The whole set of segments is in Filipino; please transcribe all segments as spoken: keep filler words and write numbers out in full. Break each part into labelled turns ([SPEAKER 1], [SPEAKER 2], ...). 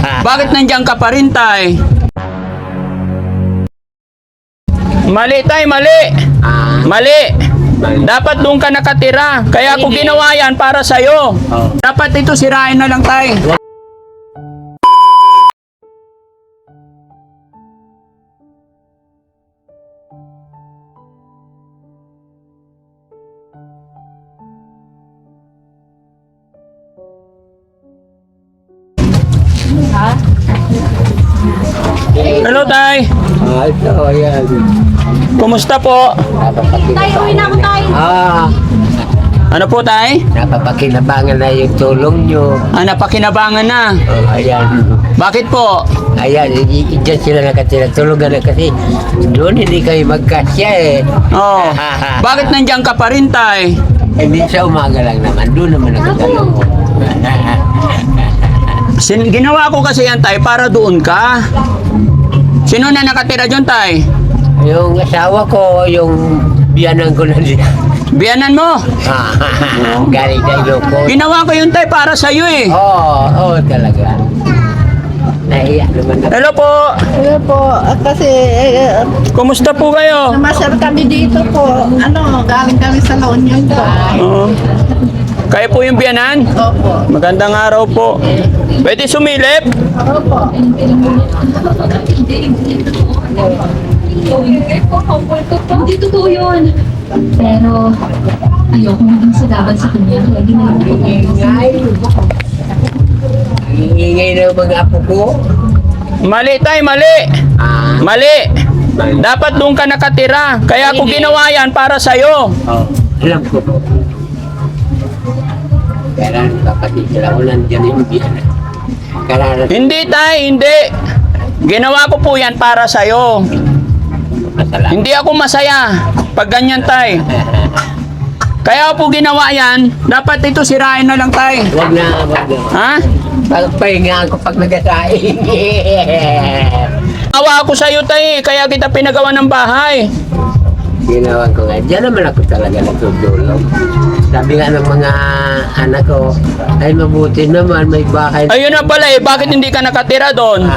[SPEAKER 1] Bakit nandiyan ka pa rin, tay? Mali, tay, mali.
[SPEAKER 2] Ah,
[SPEAKER 1] Mali. Dapat doon ka nakatira. Kaya ako ginawa yan para sa'yo.
[SPEAKER 2] oh.
[SPEAKER 1] Dapat ito sirain na lang, tay. Hello, tay.
[SPEAKER 2] Ah, ito, ayan.
[SPEAKER 1] Kumusta po?
[SPEAKER 3] Tayo, uwi na ako tayo.
[SPEAKER 2] Ah,
[SPEAKER 1] Ano po, tay?
[SPEAKER 2] napapakinabangan na yung tulong nyo.
[SPEAKER 1] Ah, napakinabangan na.
[SPEAKER 2] Oh, ayan.
[SPEAKER 1] Bakit po?
[SPEAKER 2] Ayan, i- i- dyan sila nakatira. Tulungan na kasi doon hindi kayo magkasya eh.
[SPEAKER 1] Oh. Bakit nandiyan ka pa rin, tay?
[SPEAKER 2] Hindi sa umaga lang naman. Doon naman nakatulong ko.
[SPEAKER 1] Sin ginawa ko kasi yan, tay, para doon ka. Sino na nakatira dyan, tay?
[SPEAKER 2] Yung asawa ko, yung biyanan ko na diyan.
[SPEAKER 1] Biyanan mo.
[SPEAKER 2] Galing na Ilocos.
[SPEAKER 1] Ginawa ko yun, tay, para sa'yo eh.
[SPEAKER 2] Oo, oo talaga. Nahiya naman ako.
[SPEAKER 1] Hello po.
[SPEAKER 3] Hello po, ah, kasi eh,
[SPEAKER 1] Kumusta po kayo?
[SPEAKER 3] namasyal kami dito po. Ano, galing kami sa La Union po.
[SPEAKER 1] Oo. Kayo po yung biyanan?
[SPEAKER 3] Opo.
[SPEAKER 1] Magandang araw po. Pwede sumilip?
[SPEAKER 3] Opo.
[SPEAKER 4] Hindi totoo yun. Pero, ayoko maging sadaban sa kanya. Lagi na lang ako.
[SPEAKER 2] Ang ingay ng mga apo ko.
[SPEAKER 1] Mali, tay, mali.
[SPEAKER 2] Ah,
[SPEAKER 1] Mali. Dapat doon ka nakatira. Kaya ako ginawa yan para sa'yo.
[SPEAKER 2] oh, alam ko po. Kaya kapatid sila ko nandiyan yung biyanan. Kaya
[SPEAKER 1] Hindi, tay, hindi. Ginawa ko po yan para sa'yo.
[SPEAKER 2] masalamat.
[SPEAKER 1] Hindi ako masaya pag ganyan, tay. Kaya po ginawa yan, dapat ito sirain na lang, tay.
[SPEAKER 2] Wag na, wag na.
[SPEAKER 1] Ha?
[SPEAKER 2] Pagpahinga ako pag nagasaing.
[SPEAKER 1] Awa ako sa'yo, tay, kaya kita pinagawa ng bahay.
[SPEAKER 2] Ginawa ko nga. Diyan naman ako talaga nagtutulong. Sabi nga ng mga anak ko, ay mabuti naman, may bahay.
[SPEAKER 1] Ayun na pala eh, bakit hindi ka nakatira doon?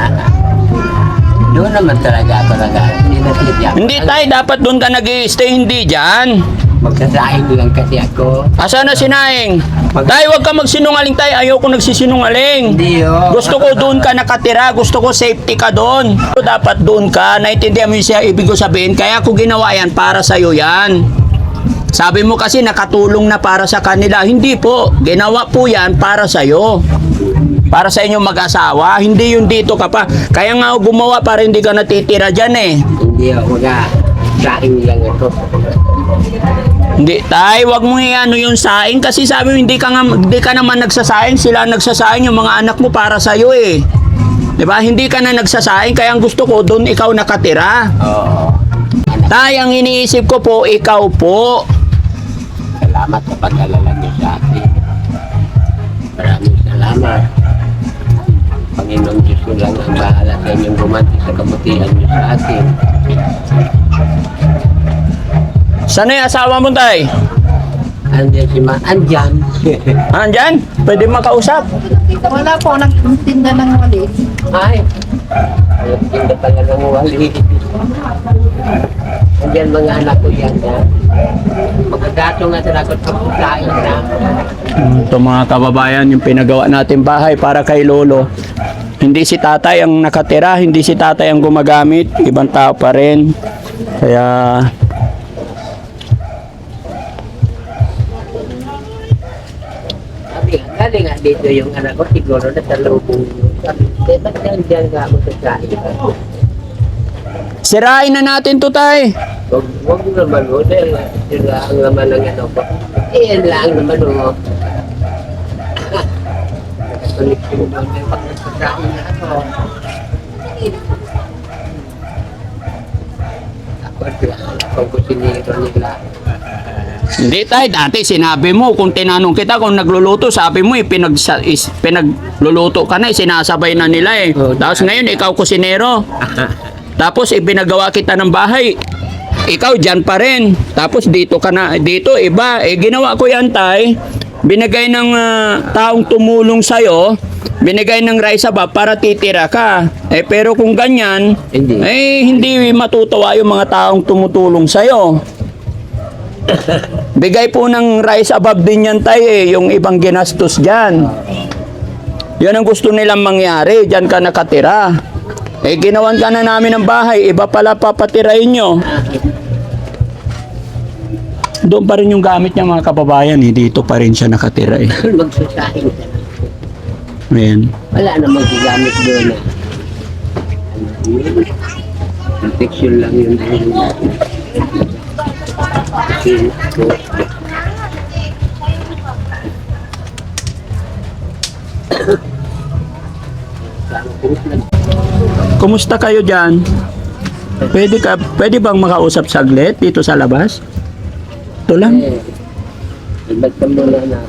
[SPEAKER 2] Doon naman talaga ako talaga. Hindi na siya.
[SPEAKER 1] Hindi, tay, dapat doon ka nag-stay, hindi dyan.
[SPEAKER 2] Magsasaing lang kasi ako.
[SPEAKER 1] Asa na si Naing? Tay, huwag ka magsinungaling, tay. Ayoko nagsisinungaling.
[SPEAKER 2] Hindi oh.
[SPEAKER 1] Gusto ko doon ka nakatira. Gusto ko safety ka doon. Dapat doon ka. Naintindihan mo yung siya ibig ko sabihin. Kaya ako ginawa yan para sa'yo yan. Sabi mo kasi nakatulong na para sa kanila. Hindi po. Ginawa po yan para sa'yo. Para sa inyong mag-asawa. Hindi yung dito ka pa. Kaya nga ako gumawa para hindi ka natitira dyan eh.
[SPEAKER 2] Hindi oh. Waga. Saing lang ako.
[SPEAKER 1] Hindi, tay, wag mo i-ano yung saing kasi sabi mo hindi ka nga, hindi ka naman nagsasaing, sila ang nagsasaing, yung mga anak mo para sa iyo eh. 'Di ba? Hindi ka na nagsasaing kaya ang gusto ko doon ikaw nakatira.
[SPEAKER 2] Oo.
[SPEAKER 1] Tay, ang iniisip ko po ikaw po.
[SPEAKER 2] Salamat sa pag-alala niyo sa akin. Maraming salamat. Panginoong Diyos ko lang ang bahala sa inyong gumanti sa kabutihan niyo sa akin.
[SPEAKER 1] Saan yung asawa mo, tay?
[SPEAKER 2] Andiyan si Ma. Andyan.
[SPEAKER 1] Andyan? Pwede makausap.
[SPEAKER 3] Wala po, nagtinda ng wali.
[SPEAKER 2] Ay. Hindi pala ng wali. Andyan mga anak ko yan. Ha? Magkagato nga sila ko sa pagkain na.
[SPEAKER 1] Ito mga kababayan, yung pinagawa natin bahay para kay Lolo. Hindi si tatay ang nakatira, hindi si tatay ang gumagamit, ibang tao pa rin. Kaya
[SPEAKER 2] Sabi nga, galing nga dito yung anak ko, siguro na sa lubong. Sabi, "Eh, ba't nandiyan ka ako sa kain?"
[SPEAKER 1] sirain na natin to, tay.
[SPEAKER 2] Wag, wag naman mo, dahil sila ang laman ng ano ko. Eh, yan lang naman mo. Nakatulik ko naman yung pag nagsasain na ako. Ako, ako kusinero nila.
[SPEAKER 1] Hindi, tay, dati sinabi mo, kung tinanong kita kung nagluluto, sabi mo, eh, pinag, is, pinagluluto ka na, eh, sinasabay na nila eh.
[SPEAKER 2] Oh,
[SPEAKER 1] Tapos ngayon, ikaw kusinero. Tapos ipinagawa kita ng bahay. Ikaw dyan pa rin. Tapos dito ka na, dito iba. Eh ginawa ko yan, tay. Binigay ng ah, taong tumulong sa'yo binigay ng rice above para titira ka. Eh pero kung ganyan,
[SPEAKER 2] Hindi.
[SPEAKER 1] eh hindi matutuwa yung mga taong tumutulong sa'yo. Bigay po ng rice above din yan tayo eh, yung ibang ginastos dyan. Yan ang gusto nilang mangyari, dyan ka nakatira. Eh ginawan ka na namin ng bahay, iba pala papatirain nyo. Doon pa rin yung gamit niya mga kababayan, eh. Dito pa rin siya nakatira eh.
[SPEAKER 2] Magsasahin ka na.
[SPEAKER 1] Ayan.
[SPEAKER 2] Wala namang gigamit doon na. Ano yun? Protection lang yun. Kasi, so,
[SPEAKER 1] Kumusta kayo dyan? Pwede ka, pwede bang makausap saglit dito sa labas? Ito lang.
[SPEAKER 2] eh, iba't ka muna na.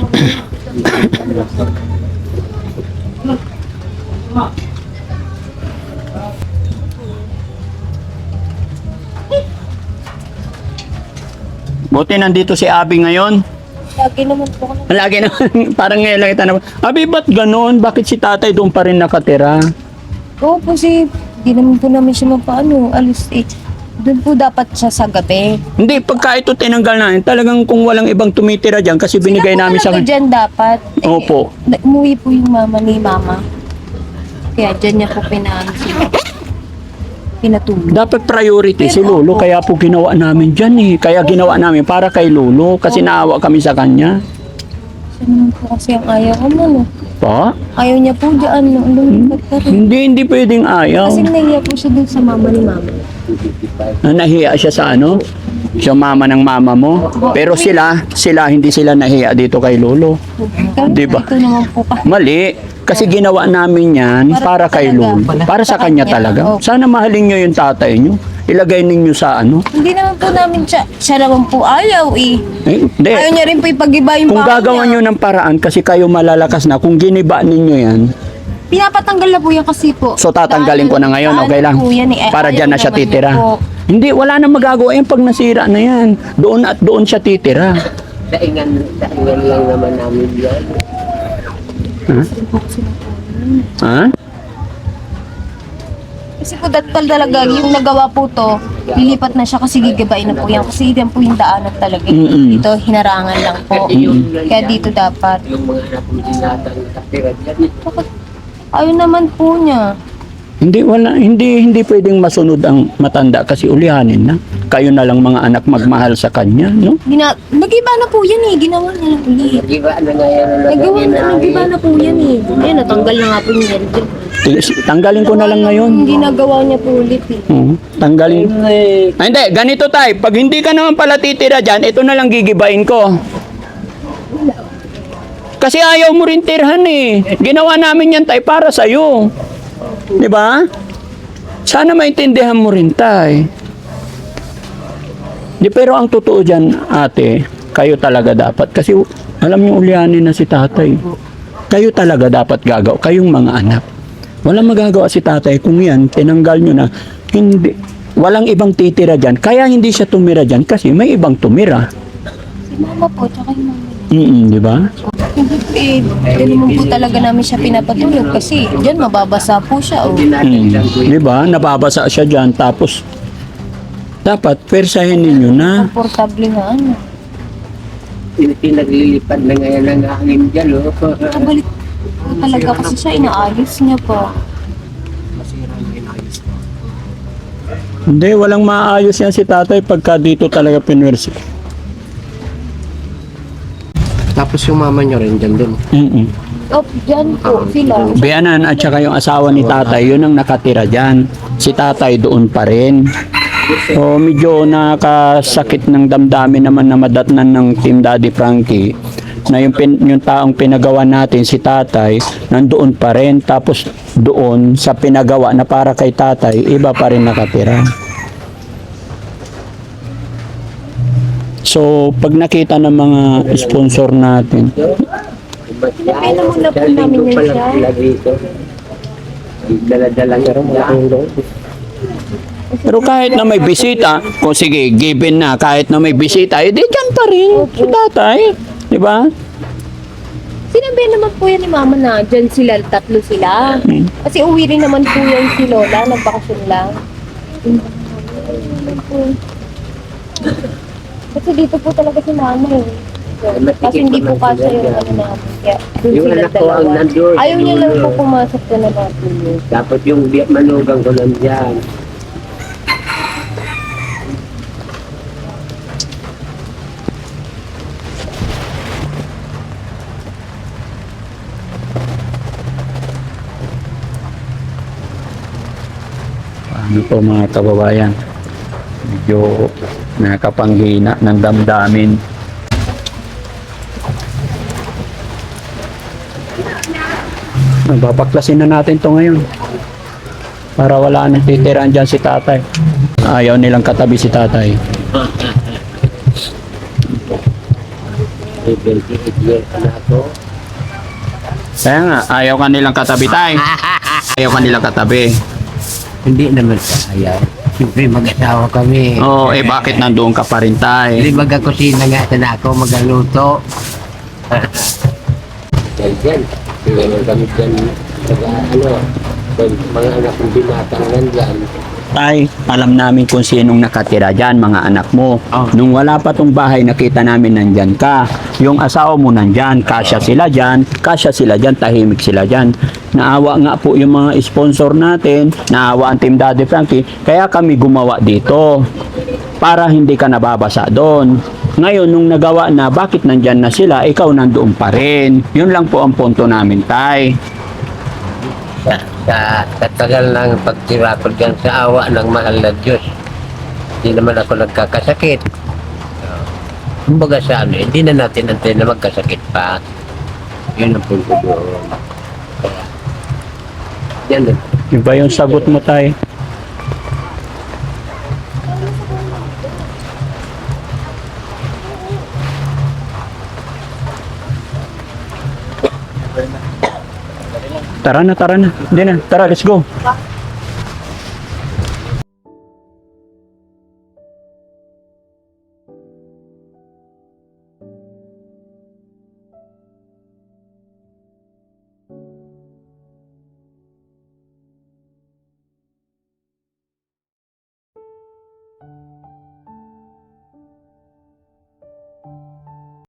[SPEAKER 1] Buti nandito si Abi ngayon.
[SPEAKER 3] Lagi naman po ako.
[SPEAKER 1] Lagi na, parang ngayon lang kita na, Abi, ba't ganun? Bakit si tatay doon pa rin nakatira?
[SPEAKER 5] Oo po si, di naman po namin siya mapaano, alis eh. Doon po dapat siya sa gabi.
[SPEAKER 1] Hindi, pagka ito tinanggal namin, talagang kung walang ibang tumitira dyan, kasi binigay namin sa
[SPEAKER 5] Sila po talaga dyan dapat. Eh,
[SPEAKER 1] Opo.
[SPEAKER 5] na- Umuwi po yung mama ni mama. Kaya dyan niya po pinaan sila. Pinatulog.
[SPEAKER 1] Dapat priority si
[SPEAKER 5] Pero
[SPEAKER 1] Lolo,
[SPEAKER 5] opo.
[SPEAKER 1] kaya po ginawa namin dyan eh. Kaya ginawa namin para kay Lolo, kasi naawa kami sa kanya.
[SPEAKER 5] Siya naman po kasi ang ayaw ko no.
[SPEAKER 1] Pa?
[SPEAKER 5] Ayaw niya po dyan, no. Lumipat ka rin.
[SPEAKER 1] Hindi, hindi pwedeng ayaw.
[SPEAKER 5] Kasi nahiya po siya dun sa mama ni mama.
[SPEAKER 1] Na nahiya siya sa ano? Siya mama ng mama mo. Pero sila, sila hindi sila nahiya dito kay Lolo.
[SPEAKER 5] Kaya
[SPEAKER 1] Di ba?
[SPEAKER 5] ito naman po pa.
[SPEAKER 1] Mali. Kasi ginawa namin yan para,
[SPEAKER 5] Para
[SPEAKER 1] kay
[SPEAKER 5] talaga.
[SPEAKER 1] Lolo. Para sa
[SPEAKER 5] Sa
[SPEAKER 1] kanya
[SPEAKER 5] kanya.
[SPEAKER 1] talaga.
[SPEAKER 5] Opo.
[SPEAKER 1] Sana mahalin nyo yung tatay nyo. Ilagay ninyo sa ano.
[SPEAKER 5] Hindi naman po namin siya, siya naman po ayaw eh.
[SPEAKER 1] Eh, hindi.
[SPEAKER 5] Ayaw niya rin po ipag-iba yung
[SPEAKER 1] Kung
[SPEAKER 5] bahay
[SPEAKER 1] gagawa nyo
[SPEAKER 5] niya.
[SPEAKER 1] ng paraan kasi kayo malalakas na, kung giniba ninyo yan,
[SPEAKER 5] Pinapatanggal na po yan kasi po.
[SPEAKER 1] so tatanggalin ko na ngayon, okay lang?
[SPEAKER 5] Daanan po yan eh. Eh,
[SPEAKER 1] Para
[SPEAKER 5] ayaw
[SPEAKER 1] dyan na siya
[SPEAKER 5] naman
[SPEAKER 1] titira.
[SPEAKER 5] niya po.
[SPEAKER 1] Hindi, wala na magagawa yan pag nasira na yan. Doon at doon siya titira.
[SPEAKER 2] Daingan, daingan lang naman namin yan.
[SPEAKER 1] Ha? Ha?
[SPEAKER 5] Kasi po dapat talaga yung nagawa po to, lilipat na siya kasi gigabain na po yan. Kasi yan po yung daanan talaga.
[SPEAKER 1] Mm-mm.
[SPEAKER 5] Dito, hinarangan lang po. Kaya dito dapat.
[SPEAKER 2] Yung mga anak mo sinatang nakatira dyan.
[SPEAKER 5] Bakit? Ayaw naman po niya.
[SPEAKER 1] Hindi, wala, hindi, hindi pwedeng masunod ang matanda kasi ulihanin na. Kayo na lang mga anak magmahal sa kanya, no?
[SPEAKER 5] Gina Nag-iba na po yan eh. Ginawa niya lang ulit.
[SPEAKER 2] Nag-iba na nga yan. ang
[SPEAKER 5] Nagawa
[SPEAKER 2] lagay
[SPEAKER 5] na,
[SPEAKER 2] ng
[SPEAKER 5] nag-iba
[SPEAKER 2] hangin.
[SPEAKER 5] na po yan eh. Ayun, natanggal na nga po niya.
[SPEAKER 1] Tanggalin ko na lang ngayon.
[SPEAKER 5] Hindi nagawa niya po ulit eh.
[SPEAKER 1] Oo, tanggalin. Ay, hindi, ganito tay. Pag hindi ka naman pala titira dyan, ito na lang gigibain ko. Kasi ayaw mo rin tirhan eh. Ginawa namin yan tay para sa'yo. Di ba? Sana maintindihan mo rin tay. Di, pero ang totoo dyan, ate, kayo talaga dapat. Kasi alam niyo ulyanin na si tatay. Kayo talaga dapat gagaw. Kayong mga anak. Walang magagawa si tatay kung yan, tinanggal nyo na, hindi, walang ibang titira dyan. Kaya hindi siya tumira dyan kasi may ibang tumira.
[SPEAKER 5] Si mama po, tsaka yung mama.
[SPEAKER 1] Mm, di ba?
[SPEAKER 5] Hindi po eh. Hindi naman po talaga namin siya pinapatulog kasi dyan mababasa po siya. Oh.
[SPEAKER 1] Mm, di ba? Nababasa siya dyan. Tapos, dapat, persahin ninyo na.
[SPEAKER 5] Komportable nga ano.
[SPEAKER 2] Pinaglilipad na ngayon ang hangin dyan, oh.
[SPEAKER 5] Nakabalik po talaga kasi siya, inaayos niya po.
[SPEAKER 1] Hindi, walang maayos yan si tatay pagka dito talaga pinwersi.
[SPEAKER 2] Tapos yung mama nyo rin dyan din.
[SPEAKER 5] O,
[SPEAKER 1] Mm-mm.
[SPEAKER 5] Oh, dyan po sila.
[SPEAKER 1] Bianan at saka yung asawa ni tatay, yun ang nakatira dyan. Si tatay doon pa rin. So medyo nakasakit ng damdamin naman na madatnan ng Team Daddy Frankie na yung, pin, yung taong pinagawa natin, si tatay, nandoon pa rin. Tapos doon sa pinagawa na para kay tatay, iba pa rin nakatira. So pag nakita ng mga sponsor natin,
[SPEAKER 5] Pinapena muna po namin yan siya.
[SPEAKER 2] Dala-dala nga rin mga tulong.
[SPEAKER 1] pero kahit na may bisita, kung sige, given na, kahit na may bisita, edi dyan pa rin si tatay. Di ba?
[SPEAKER 5] Sinabi naman po yan ni Mama na dyan sila, tatlo sila.
[SPEAKER 1] Hmm.
[SPEAKER 5] Kasi uwi rin naman po yan si Lola, nagbakasyon lang. Kasi dito po talaga si Mama eh. So, kasi hindi po kasi yung ano namin. Kaya dun
[SPEAKER 2] Yung
[SPEAKER 5] sila
[SPEAKER 2] anak ko ang
[SPEAKER 5] dalawa.
[SPEAKER 2] nandun.
[SPEAKER 5] Ayaw niya lang po pumasok na natin.
[SPEAKER 2] Dapat yung biyak manugang ko nandyan.
[SPEAKER 1] Ano po mga kababayan, medyo nakapanghina ng damdamin. Babaklasin na natin to ngayon para wala nang titiraan dyan si tatay. Ayaw nilang katabi si tatay.
[SPEAKER 2] May twenty-eight years na ako.
[SPEAKER 1] Kaya nga, ayaw ka nilang katabi tay. Ayaw ka nilang katabi.
[SPEAKER 2] Hindi naman sa ayaw. Siyempre mag-asawa kami.
[SPEAKER 1] Oo, eh bakit nandoon ka pa rin tay?
[SPEAKER 2] Hindi mag-kusina nga sana ako, magaluto. Yan dyan. Kaya kami dyan, mga ano, mga anak ng binatang nandyan.
[SPEAKER 1] Tay, alam namin kung sinong nakatira dyan, mga anak mo.
[SPEAKER 2] Oh.
[SPEAKER 1] Nung wala pa tong bahay, nakita namin nandyan ka. Yung asawa mo nandyan, kasya sila dyan, kasya sila dyan, tahimik sila dyan. Naawa nga po yung mga sponsor natin, naawa ang Team Daddy Frankie, kaya kami gumawa dito para hindi ka nababasa doon. Ngayon, nung nagawa na, bakit nandyan na sila, ikaw nandoon pa rin. Yun lang po ang punto namin, tay.
[SPEAKER 2] Sa, sa, sa tagal ng pagtira ko dyan sa awa ng mahal na Diyos, hindi naman ako nagkakasakit. Kumbaga sa ano, hindi na natin antay na magkasakit pa. Yun ang punto doon. Kaya, yan lang.
[SPEAKER 1] Yun ba yung sagot mo, tay? Tara na, tara na. Hindi na. Tara, let's go.